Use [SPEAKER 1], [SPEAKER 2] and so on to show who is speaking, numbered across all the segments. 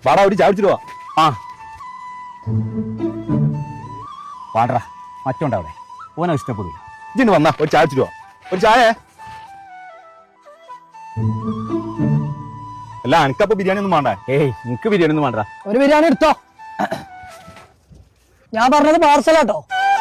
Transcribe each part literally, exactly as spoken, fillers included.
[SPEAKER 1] വാടാ ഒരു ചായ കുടിച്ചിട്ട് വാ.
[SPEAKER 2] ആ പാടറ മറ്റോണ്ട അവിടെ ഓനെ ഇഷ്ടപ്പെടില്ല.
[SPEAKER 1] ഇജിന്ന് വന്നാ ഒരു ചായ കുടിച്ചിട്ട് വാ. ഒരു ചായ. അല്ല എനിക്കപ്പോ ബിരിയാണി ഒന്നും വേണ്ട.
[SPEAKER 2] ഏയ് നിനക്ക് ബിരിയാണി ഒന്നും വേണ്ട.
[SPEAKER 3] ഒരു ബിരിയാണി എടുത്തോ. ഞാൻ പറഞ്ഞത് പാർസലാട്ടോ.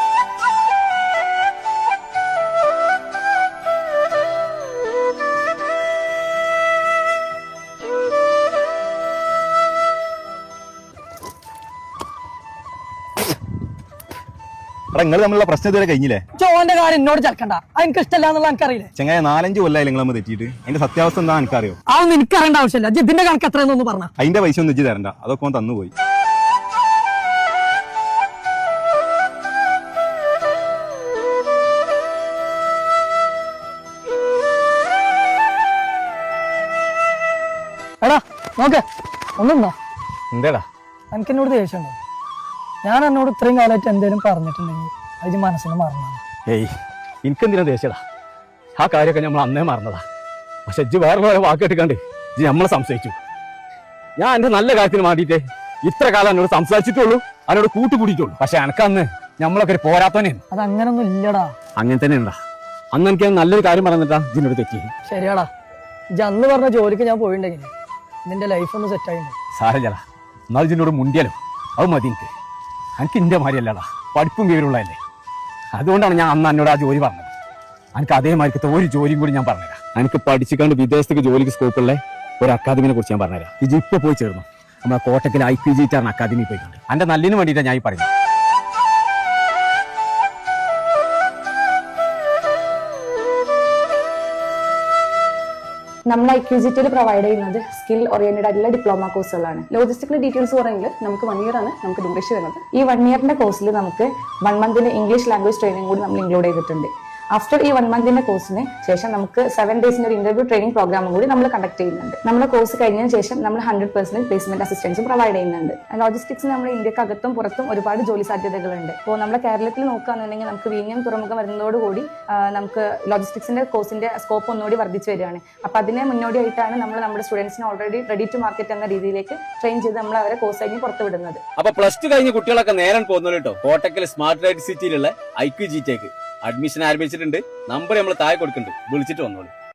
[SPEAKER 1] എടാ നിങ്ങൾ തമ്മിലുള്ള പ്രശ്നം ഇതുവരെ കഴിഞ്ഞില്ലേ?
[SPEAKER 3] ചോന്റെ കാര്യം എന്നോട് ചേർക്കണ്ട. അത് എനിക്ക് ഇഷ്ടമല്ല എന്നുള്ള എനിക്കറിയില്ലേ.
[SPEAKER 1] ചെങ്ങായ നാലഞ്ച് കൊല്ലായി നിങ്ങൾ നമ്മൾ തെറ്റിയിട്ട്. അതിന്റെ സത്യാവസ്ഥ എന്താ എനിക്കറിയോ?
[SPEAKER 3] അതൊന്നും എനിക്ക് അറിയേണ്ട ആവശ്യമില്ല. ഇതിന്റെ കണക്ക് എത്രയെന്നൊന്ന് പറഞ്ഞ.
[SPEAKER 1] അതിന്റെ പൈസ ഒന്നും ഇജ്ജ് തരണ്ട, അതൊക്കെ ഓൻ തന്നുപോയി.
[SPEAKER 3] എടാ നോക്കേ ഒന്നുണ്ടോ?
[SPEAKER 2] എന്തേടാ
[SPEAKER 3] എനിക്ക് എന്നോട് ദേഷ്യമുണ്ടോ? ഞാൻ എന്നോട് ഇത്രയും കാലമായിട്ട് എന്തേലും പറഞ്ഞിട്ടുണ്ടെങ്കിൽ അത് മനസ്സിന് മറന്നാണ്.
[SPEAKER 2] ഏയ് എനിക്കെന്തിനാ ദേഷ്യടാ? ആ കാര്യമൊക്കെ നമ്മൾ അന്നേ മറന്നതാ. പക്ഷെ ഇജ്ജ് വേറെ വേറെ വാക്ക് കേട്ടിക്കാണ്ട് ഇജ്ജ് നമ്മളെ സംശയിച്ചു. ഞാൻ എന്റെ നല്ല കാര്യത്തിന് വേണ്ടിയിട്ട് ഇത്ര കാലം എന്നോട് സംസാരിച്ചിട്ടുള്ളൂ, അതിനോട് കൂട്ടുകൂടിയിട്ടുള്ളൂ. പക്ഷെ എനക്കന്ന് നമ്മളൊക്കെ ഒരു പോരാത്തവനെയാണ്.
[SPEAKER 3] അത് അങ്ങനൊന്നും ഇല്ലടാ.
[SPEAKER 2] അങ്ങനെ തന്നെ ഉണ്ടാ. അന്ന് എനിക്ക് നല്ലൊരു കാര്യം പറഞ്ഞിട്ടാ ഇതിനോട് തെറ്റി.
[SPEAKER 3] ശരിയാടാ. ഇജ്ജ് അന്ന് പറഞ്ഞ ജോലിക്ക് ഞാൻ പോയിണ്ടെങ്കിൽ നിന്റെ ലൈഫ് ഒന്ന് സെറ്റ് ആയിട്ടുണ്ട്.
[SPEAKER 2] സാരല്ലടാ, എന്നാൽ ഇതിനോട് മുണ്ടിയാലോ അത് മതി. എനിക്ക് എനിക്ക് ഇന്റെ മാതിരിയല്ലടാ, പഠിപ്പും വിവരമുള്ളതല്ലേ. അതുകൊണ്ടാണ് ഞാൻ അന്ന് എന്നോട് ആ ജോലി പറഞ്ഞത്. എനിക്ക് അതേമാതിരിക്കത്തെ ഒരു ജോലിയും കൂടി ഞാൻ പറഞ്ഞുതരാം. എനിക്ക് പഠിച്ചിക്കാണ്ട് വിദേശത്തേക്ക് ജോലിക്ക് സ്കോപ്പുള്ള ഒരു അക്കാദമിനെ കുറിച്ച് ഞാൻ പറഞ്ഞുതരാം. ഇത് ഇപ്പൊ പോയി ചേർന്നു നമ്മളെ കോട്ടക്കൽ ഐ പി ജി ടാറിന് അക്കാദമി പോയിട്ടുണ്ട്. എന്റെ നല്ലിന് വേണ്ടിയിട്ടാണ് ഞാൻ ഈ പറയുന്നത്.
[SPEAKER 4] നമ്മൾ ഐ ക്യു ജി ടിയിൽ പ്രൊവൈഡ് ചെയ്യുന്നത് സ്കിൽ ഓറിയന്റഡ് ആയിട്ടുള്ള ഡിപ്ലോമ കോഴ്സുകളാണ്. ലോജിസ്റ്റിക്കൽ ഡീറ്റെയിൽസ് പറയുമെങ്കിൽ നമുക്ക് വൺ ഇയർ ആണ് നമുക്ക് ഡ്യൂറേഷൻ വരുന്നത്. ഈ വൺ ഇയറിന്റെ കോഴ്സിൽ നമുക്ക് വൺ മന്തിന്റെ ഇംഗ്ലീഷ് ലാംഗ്വേജ് ട്രെയിനിങ് കൂടി നമ്മൾ ഇൻക്ലൂഡ് ചെയ്തിട്ടുണ്ട്. ആഫ്റ്റർ ഈ വൺ മന്തിന്റെ കോഴ്സിന് ശേഷം നമുക്ക് സെവൻ ഡേയ്സിന്റെ ഒരു ഇന്റർവ്യൂ ട്രെയിനിങ് പ്രോഗ്രാമും കൂടി നമ്മൾ കണ്ടക്ട് ചെയ്യുന്നുണ്ട്. നമ്മുടെ കോഴ്സ് കഴിഞ്ഞതിന് ശേഷം നമ്മൾ ഹൺഡ്രഡ് പെർസെന്റ് പ്ലേസ്മെന്റ് അസിസ്റ്റൻസും പ്രൊവൈഡ് ചെയ്യുന്നുണ്ട്. ലോജിസ്റ്റിക്സ് നമ്മുടെ ഇന്ത്യക്കകത്തും പുറത്തും ഒരുപാട് ജോലി സാധ്യതകളുണ്ട്. അപ്പോൾ നമ്മുടെ കേരളത്തിൽ നോക്കുകയാണെന്നുണ്ടെങ്കിൽ നമുക്ക് വിഴിഞ്ഞം തുറമുഖം വരുന്നതോടുകൂടി നമുക്ക് ലോജിസ്റ്റിക്സിന്റെ കോഴ്സിന്റെ സ്കോപ്പ് ഒന്നുകൂടി വർദ്ധിച്ചു വരികയാണ്. അപ്പൊ അതിനെ മുന്നോടിയായിട്ടാണ് നമ്മൾ നമ്മുടെ സ്റ്റുഡൻസിനെ ഓൾറെഡി റെഡി ടു മാർക്കറ്റ് എന്ന രീതിയിലേക്ക് ട്രെയിൻ ചെയ്ത് നമ്മൾ അവരെ കോഴ്സ് കഴിഞ്ഞ് പുറത്തുവിടുന്നത്.
[SPEAKER 2] അപ്പൊ പ്ലസ് ടു കഴിഞ്ഞ കുട്ടികളൊക്കെ നേരം പോകുന്നു കേട്ടോ. കോട്ടക്കൽ സ്മാർട്ട് റൈഡ് സിറ്റിയിലുള്ള I Q G tech admission ആരംഭിച്ചിട്ടുണ്ട്. നമ്പർ നമ്മൾ താഴെ കൊടുക്കുന്നുണ്ട്, വിളിച്ചിട്ട് വന്നോളൂ.